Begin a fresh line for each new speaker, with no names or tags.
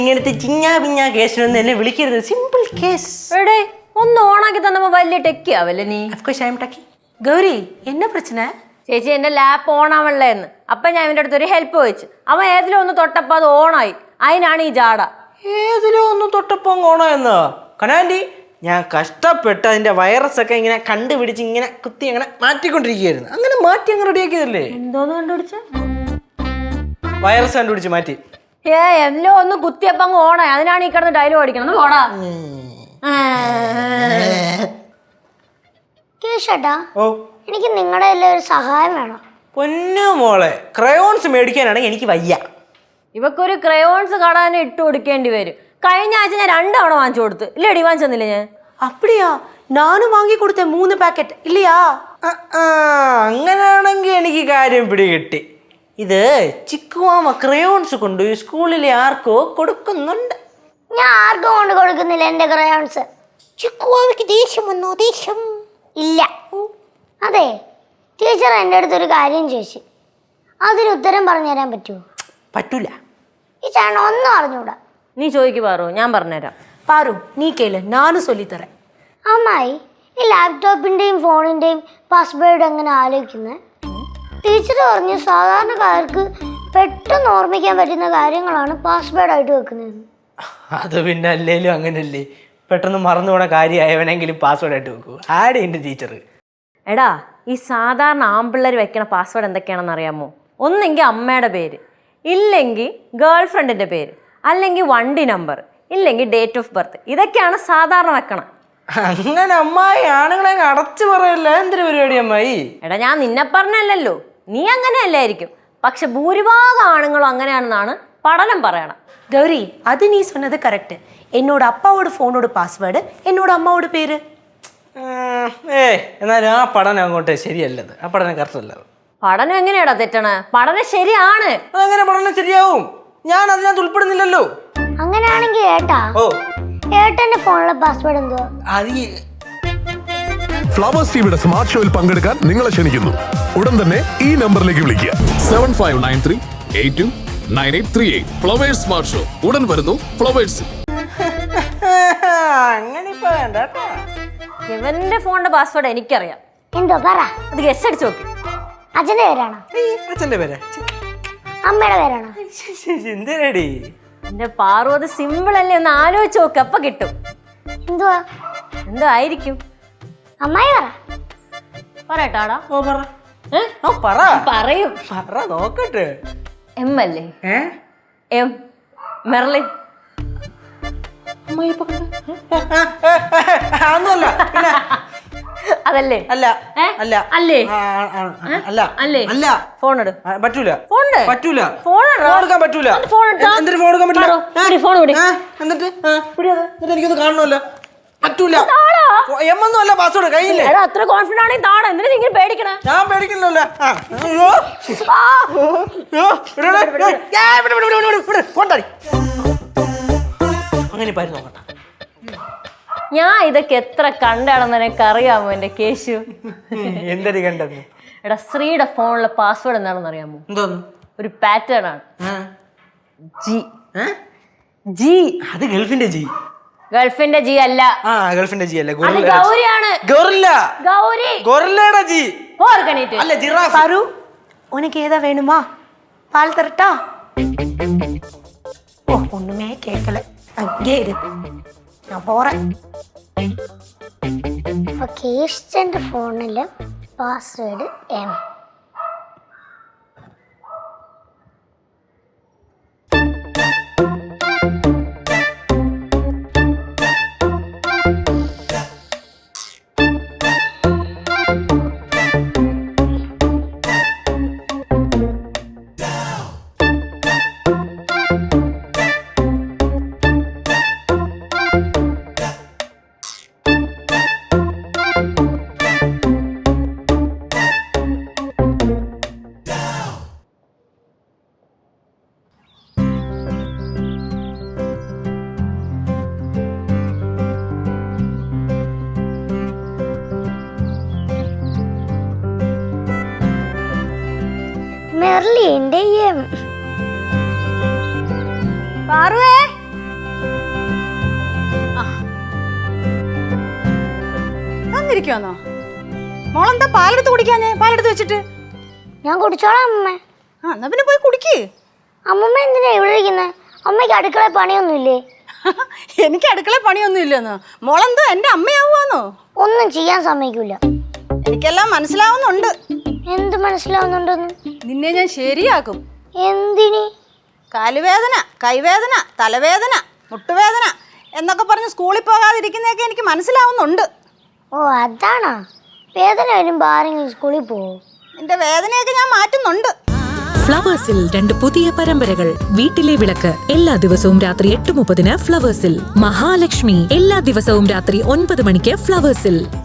ഇങ്ങനത്തെ ചിഞ്ഞാ പിഞ്ഞാ കേസിനൊന്നും എന്നെ വിളിക്കരുത്. Simple case.
എടേ ഒന്ന് ഓണാക്കി തന്നപ്പോ വലിയ ടെക്കി ആവല്ലേ നീ?
ഗൗരി എന്നെ പ്രശ്ന?
ചേച്ചി എന്റെ ലാപ്പ് ഓൺ ആവണല്ലേന്ന്. അപ്പൊ ഞാൻ ഇവന്റെ അടുത്ത് ഒരു ഹെൽപ്പ് ചോദിച്ചു. അവൻ ഏതിലോ ഒന്ന് തൊട്ടപ്പോ അത് ഓണായി. അതിനാണ് ഈ ജാട.
ഏതിലോ ഒന്ന് തൊട്ടപ്പോ ഓണായെന്നോ? കനാൻഡി, ഞാൻ കഷ്ടപ്പെട്ട് അതിന്റെ വൈറസ് ഒക്കെ ഇങ്ങനെ കണ്ടുപിടിച്ച് ഇങ്ങനെ കുത്തി അങ്ങനെ മാറ്റിക്കൊണ്ടിരിക്കുകയായിരുന്നു. അങ്ങനെ മാറ്റി അങ്ങ് റെഡിയാക്കിയതല്ലേ?
എന്തോന്ന് കണ്ടുപിടിച്ച?
വൈറസ് കണ്ടുപിടിച്ച് മാറ്റി.
എല്ലാം ഒന്ന് കുത്തിയപ്പോ അങ്ങ് ഓണായി. അതിനാണ് ഈ കിടന്ന് ഡയലോഗ് അടിക്കണം. ഓടാ
കേശട്ടാ,
ഓ,
എനിക്ക് നിങ്ങളുടെ എല്ലാം ഒരു സഹായം വേണം.
പൊന്നു മോളെ, ക്രയോൺസ് മേടിക്കാനാണെങ്കിൽ എനിക്ക് വയ്യ.
ഇവക്കൊരു ക്രയോൺസ് കടാനെ ഇട്ട് കൊടുക്കേണ്ടി വരും. കഴിഞ്ഞ ആഴ്ച ഞാൻ 2 തവണ വാങ്ങിച്ചു കൊടുത്തു. ഇല്ലടി വാങ്ങിച്ചെന്നില്ല ഞാൻ?
அப்படியா? நானும் வாங்கி கொடுத்தேன் 3 പാക്കറ്റ്. இல்லையா?
അങ്ങനെയാണെങ്കിൽ എനിക്ക് കാര്യം പിടികിട്ടി. ഇത് ചിക്കുവാമ ക്രയോൺസ് കൊണ്ട് സ്കൂളിലെ ആർക്കോ കൊടുക്കുന്നുണ്ട്.
ഞാൻ ആർക്കും കൊണ്ട് കൊടുക്കുന്നില്ല എന്റെ ക്രയോൺസ്.
ചിക്കുവാമയ്ക്ക് ദേഷ്യം വന്നോ? ദേഷ്യം
ഇല്ല. അതെ, ടീച്ചർ എൻ്റെ അടുത്തൊരു കാര്യം ചോദിച്ചു. അതിന് ഉത്തരം പറഞ്ഞു തരാൻ പറ്റുമോ?
പറ്റൂല.
ഈ ചേട്ടൻ ഒന്നും അറിഞ്ഞൂടാ.
നീ ചോദിക്ക് പാറു, ഞാൻ പറഞ്ഞുതരാം.
பாரு, நீ கேளு, நானும் சொல்லித்தரேன்.
അമ്മായി, ഈ ലാപ്ടോപ്പിന്റെയും ഫോണിന്റെയും പാസ്വേഡ് എങ്ങനെ ആലോചിക്കുന്നത്? ടീച്ചർ പറഞ്ഞു സാധാരണക്കാർക്ക് പെട്ടെന്ന് ഓർമ്മിക്കാൻ പറ്റുന്ന കാര്യങ്ങളാണ് പാസ്വേഡായിട്ട് വെക്കുന്നത്.
അത് പിന്നെ അല്ലേലും അങ്ങനല്ലേ, പെട്ടെന്ന് മറന്നു പോണ കാര്യമായവനെങ്കിലും പാസ്വേഡ് ആയിട്ട് വെക്കൂ. ആടെ ഉണ്ട് ടീച്ചർ.
എടാ, ഈ സാധാരണ ആമ്പിള്ളേർ വെക്കണ പാസ്വേഡ് എന്തൊക്കെയാണെന്ന് അറിയാമോ? ഒന്നെങ്കിൽ അമ്മയുടെ പേര്, ഇല്ലെങ്കിൽ ഗേൾ ഫ്രണ്ടിന്റെ പേര്, അല്ലെങ്കിൽ വണ്ടി നമ്പർ, ഇല്ലെങ്കിൽ ഡേറ്റ് ഓഫ് ബർത്ത്. ഇതൊക്കെയാണ് സാധാരണ വെക്കണം.
അങ്ങനെ അമ്മായി ആണുങ്ങളെ അടച്ചു പറയല്ല. എന്തൊരു പരിപാടി അമ്മായി?
എടാ, ഞാൻ നിന്നെ പറഞ്ഞല്ലോ, നീ അങ്ങനെയല്ലായിരിക്കും. പക്ഷെ ഭൂരിഭാഗം ആണുങ്ങളും അങ്ങനെയാണെന്നാണ് പഠനം പറയണം.
கௌரி, அது நீ சொன்னது கரெக்ட். என்னோட அப்பாவோட ஃபோனோட பாஸ்வேர்டு, என்னோட அம்மாவோட பேரு.
എന്നാലും ആ പഠനം അങ്ങോട്ട് ശരിയല്ലത്. ആ പഠനം കറക്റ്റ് അല്ലത്.
പഠനം എങ്ങനെയാടാ തെറ്റണേ? പഠനം ശരിയാണ്.
അതെങ്ങനെ പഠനം ശരിയാവും? ഞാൻ അതിനകത്ത് ഉൾപ്പെടുന്നില്ലല്ലോ.
അങ്ങനെയാണെങ്കിൽ ഏട്ടന്റെ ഫോണിലെ പാസ്വേഡ് എന്തുവാ?
ഫ്ലവേഴ്സ് ടിവിയുടെ സ്മാർട്ട് ഷോയിൽ പങ്കെടുക്കാൻ നിങ്ങളെ ക്ഷണിക്കുന്നു. ഉടൻ തന്നെ ഈ നമ്പറിലേക്ക് വിളിക്കുക.
7593829838. ഫ്ലവേഴ്സ് സ്മാർട്ട് ഷോ ഉടൻ വരുന്നു ഫ്ലവേഴ്സ്.
അങ്ങനെ ഇപ്പൊ വേണ്ട കേട്ടോ.
ഇവന്റെ ഫോണിന്റെ പാസ്വേഡ് എനിക്കറിയാം.
എന്തോ പറ.
അത് ഗസ് അടിച്ചു നോക്കി.
അച്ഛന്റെ പേരാണോ?
അച്ഛന്റെ പേരാ?
അമ്മയുടെ പേരാണോ?
എന്തിനടി?
എന്റെ പാറു, അത് സിമ്പിൾ അല്ലേ? ഒന്ന് ആലോചിച്ച് നോക്ക്, അപ്പൊ കിട്ടും.
എന്തുവാ?
എന്തോ ആയിരിക്കും?
അമ്മായി പറ.
പറയട്ടാടാ? പറയും.
പറ നോക്കട്ടെ.
എം അല്ലേ? M, Merlin.
അതൊന്നുമല്ല.
അതല്ലേ?
അല്ല അല്ല
അല്ലേ?
അല്ല
അല്ലേ?
അല്ല.
ഫോൺ എടു.
പറ്റൂല. പറ്റൂല.
ഫോൺ
എടുക്കാൻ പറ്റൂല. എന്തിനു ഫോൺ എടുക്കാൻ പറ്റില്ല? എന്നിട്ട് എനിക്കൊന്ന് കാണണമല്ലോ. പറ്റൂല. എമ്മൊന്നും അല്ല പാസ്വേഡ് കയ്യില്ലേ?
അത്ര കോൺഫിഡന്റ് ആണെങ്കിൽ താഴെ. എന്തിനാ നിങ്ങൾ പേടിക്കണേ?
ഞാൻ പേടിക്കില്ലല്ലോ. അങ്ങനെ പാരി നോക്കട്ടെ.
ഞാൻ ഇതൊക്കെ എത്ര കണ്ടാണെന്ന് എനിക്ക് അറിയാമോ എന്റെ കേശു?
എന്തൊരു കണ്ടത്?
എടാ, ശ്രീയുടെ ഫോണിലെ പാസ്വേഡ് എന്താണെന്ന് അറിയാമോ?
എന്തോന്ന്?
ഒരു പാറ്റേൺ ആണ്. ജി.
ജി? അത് ഗൾഫിന്റെ ജി.
ഗൾഫിന്റെ ജി അല്ല.
ഗൾഫിന്റെ ജി അല്ല,
അത് ഗൗരിയാണ്.
ഗൊറില്ല.
ഗൗരി.
ഗൊറില്ലയുടെ ജി.
ഓർഗനൈറ്റ്
അല്ല, ജിറാഫ്.
பாரு, உனக்கு ஏதா வேணுமா? பால் தரட்டா? ஓ, ஒண்ணுமே கேட்கல. அங்கே இரு, நான் போறேன்.
അപ്പൊ കേശന്റെ ഫോണില് പാസ്വേഡ് എം. മെർലിന്റെ എം.
പാറുവേ,
തളർന്നിരിക്കുവാന്നോ? മോളെന്താ പാലെടുത്ത് കുടിക്കാഞ്ഞേ? പാലെടുത്ത് വെച്ചിട്ട്.
ഞാൻ കുടിച്ചോളാം അമ്മമ്മ.
ആ എന്നാ പിന്നെ പോയി കുടിക്ക്.
അമ്മമ്മ എന്തിനാ ഇവിടെ ഇരിക്കുന്നത്? അമ്മയ്ക്ക് അടുക്കള പണിയൊന്നുമില്ലേ?
എനിക്ക് അടുക്കള പണിയൊന്നും ഇല്ലെന്നോ? മോളെന്തോ എന്റെ അമ്മയാവുവാന്നോ?
ഒന്നും ചെയ്യാൻ സമ്മതിക്കൂല.
എനിക്കെല്ലാം മനസ്സിലാവുന്നുണ്ട്.
എന്ത് മനസ്സിലാവുന്നുണ്ടെന്ന്?
നിന്നെ ഞാൻ ശരിയാക്കും.
എന്തിനി?
കാലുവേദന, കൈവേദന, തലവേദന, മുട്ടുവേദന എന്നൊക്കെ പറഞ്ഞ് സ്കൂളിൽ പോകാതിരിക്കുന്നതൊക്കെ എനിക്ക് മനസ്സിലാവുന്നുണ്ട്.
ഓ അതാണോ? വേദന വരുമ്പോ ആരെങ്കിലും സ്കൂളിൽ പോവോ?
നിന്റെ വേദനയൊക്കെ ഞാൻ മാറ്റുന്നുണ്ട്.
ഫ്ലവേഴ്സിൽ 2 പുതിയ പരമ്പരകൾ. വീട്ടിലെ വിളക്ക് എല്ലാ ദിവസവും രാത്രി 8:30 ഫ്ലവേഴ്സിൽ. മഹാലക്ഷ്മി എല്ലാ ദിവസവും രാത്രി 9 മണിക്ക് ഫ്ലവേഴ്സിൽ.